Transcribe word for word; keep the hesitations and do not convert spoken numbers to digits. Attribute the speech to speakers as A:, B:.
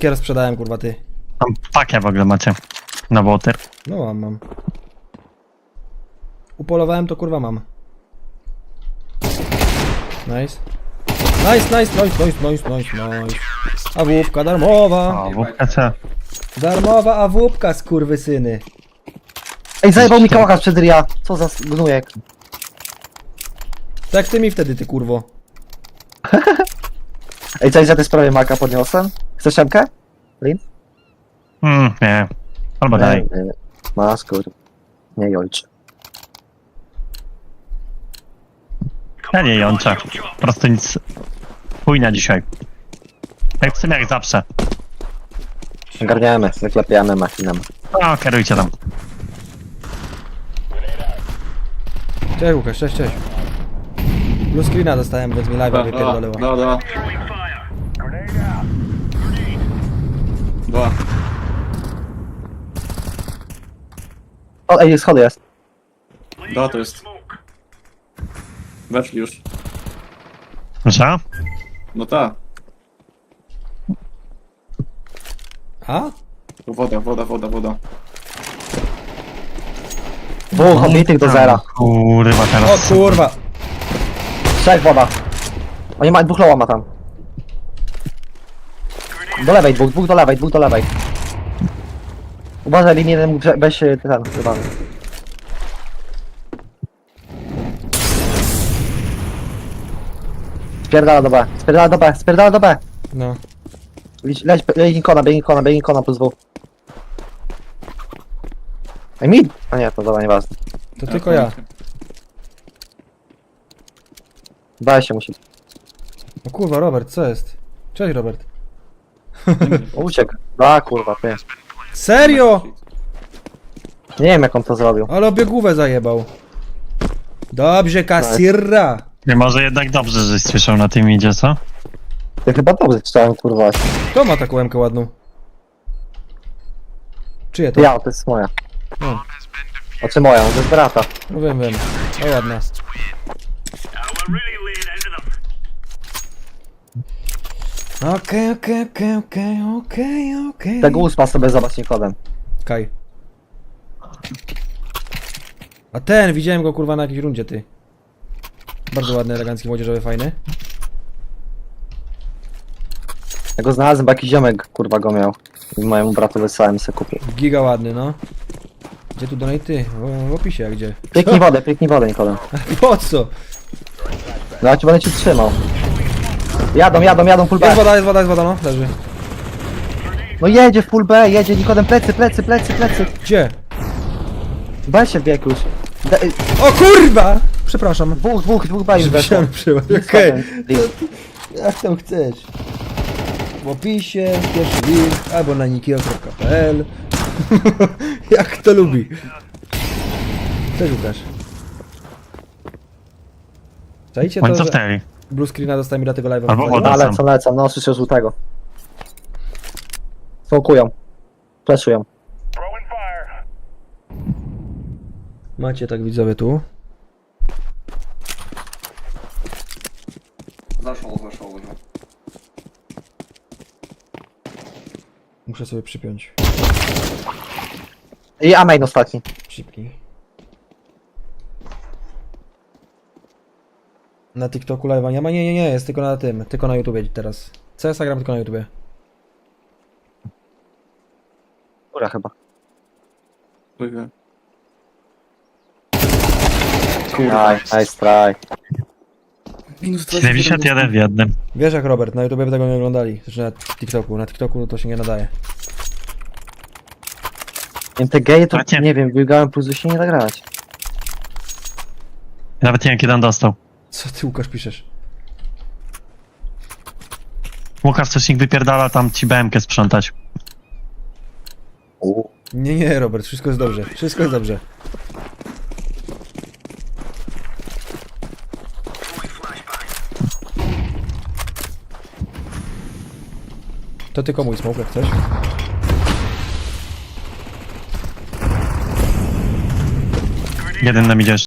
A: Wszystkie rozprzedałem, kurwa, ty.
B: Tam pakę w ogóle macie. Na water.
A: No mam, mam. Upolowałem to, kurwa, mam. Nice. Nice, nice, nice, nice, nice, nice, nice. Awupka darmowa.
B: O, wódka co?
A: Darmowa awupka, skurwysyny.
C: Ej, zajebał mi kałacha przed ria. Co za gnujek.
A: Tak ty mi wtedy, ty kurwo.
C: Ej, coś za tej sprawie maka podniosłem? Chcesz szemkę? Lin?
B: Mm, nie. Albo daj.
C: Nie, nie. Masz, kur... Nie ojcze.
B: Ja nie jączę. Po prostu nic. Chujnia dzisiaj. Jak w sumie jak zawsze.
C: Ogarniamy, wyklepiamy machinem.
B: O, kierujcie tam.
A: Cześć Łukasz, cześć, cześć. Blue screena dostałem, więc mi live'a wypierdoliła.
D: Da, da. Dwa.
C: O, ej, schody jest.
D: Da, to jest. Weszli już.
B: Że?
D: No ta.
A: A?
D: Tu woda, woda, woda, woda.
C: Dwóch obitych do zera.
B: Kurwa
A: O
B: teraz.
A: kurwa.
C: Trzech woda. Oni mają dwóch loła ma tam. Do lewej, dwóch, dwóch do lewej, dwóch do lewej. Uważaj, linię jeden, weź się ten, chyba. Spierdala do B, spierdala do B, spierdala do B.
A: No.
C: Leć, leć, leć ikona, bieg ikona, bieg ikona plus dwóch. Ej, mid! A nie, to dobra, nieważne.
A: To tylko ja.
C: B się musi.
A: O kurwa, Robert, co jest? Cześć, Robert.
C: Uciekł. A kurwa, ty.
A: Serio?
C: Nie wiem jak on to zrobił.
A: Ale obiegówę zajebał. Dobrze, kasirra.
B: Nie może jednak dobrze, żeś słyszał na tym idzie, co?
C: Ty chyba dobrze czytałem, kurwa.
A: Kto ma taką łemkę ładną? Czyje to?
C: Ja, to jest moja.
A: No,
C: A czy moja? To jest brata.
A: no wiem, wiem. O, ładna. Okej, okej, okej, okej, okej, okej.
C: Tego uspa sobie zobacz Nikodem.
A: Kaj. A ten, widziałem go kurwa na jakiejś rundzie, ty. Bardzo ładny, elegancki, młodzieżowy, fajny.
C: Ja go znalazłem, bo jakiś ziomek kurwa go miał. I mojemu bratu wysłałem i sobie kupił.
A: Giga ładny, no. Gdzie tu donaty? W, w opisie, a gdzie?
C: Pliknij wodę, pliknij wodę Nikodem.
A: Po co?
C: No ja ci będę ci trzymał. Jadą, jadą, jadą full
A: Jest
C: B.
A: woda, jest woda, jest woda, no. Leży.
C: No jedzie w full B, jedzie Nikodem, plecy, plecy, plecy, plecy.
A: Gdzie?
C: B się wbiegł już. De-
A: O kurwa! Przepraszam.
C: Dwóch, dwóch, dwóch B już weszło.
A: Musiałem przyjąć. Okej. Jak tam chcesz. W opisie, pierwszy link, albo na nikio kropka p l. Jak kto lubi. Cześć Łukasz. Czajcie
B: Oni
A: to, że
B: cofnęli.
A: blue screena dostałem mi na tego live'a.
B: Albo
A: wywaliło?
B: woda.
C: A lecą, lecą, no słyszę żółtego. Smokują. Fleszują.
A: Macie tak widzowie tu.
D: Zaszło, zaszło.
A: Muszę sobie przypiąć.
C: I A main ostatni.
A: Szybki. Na TikToku live'a nie ma? Nie, nie, nie, jest tylko na tym. Tylko na YouTubie teraz. C S a gram tylko na YouTubie.
C: Góra chyba.
D: Kurwa.
C: Nice, nice try.
D: Minus
B: siedemdziesiąt jeden w jednym.
A: Wiesz jak Robert, na YouTubie by tego nie oglądali. Znaczy na TikToku. Na TikToku to się nie nadaje.
C: Nie, te geje to
B: Macie.
C: nie wiem, biegałem plus się nie da grać.
B: Nawet nie wiem kiedy on dostał.
A: Co ty Łukasz piszesz?
B: Łukasz coś nikt wypierdala tam ci B M K sprzątać.
C: U.
A: Nie, nie Robert, wszystko jest dobrze. Wszystko jest dobrze. To tylko mój smoke, jak chcesz.
B: Jeden nam idzie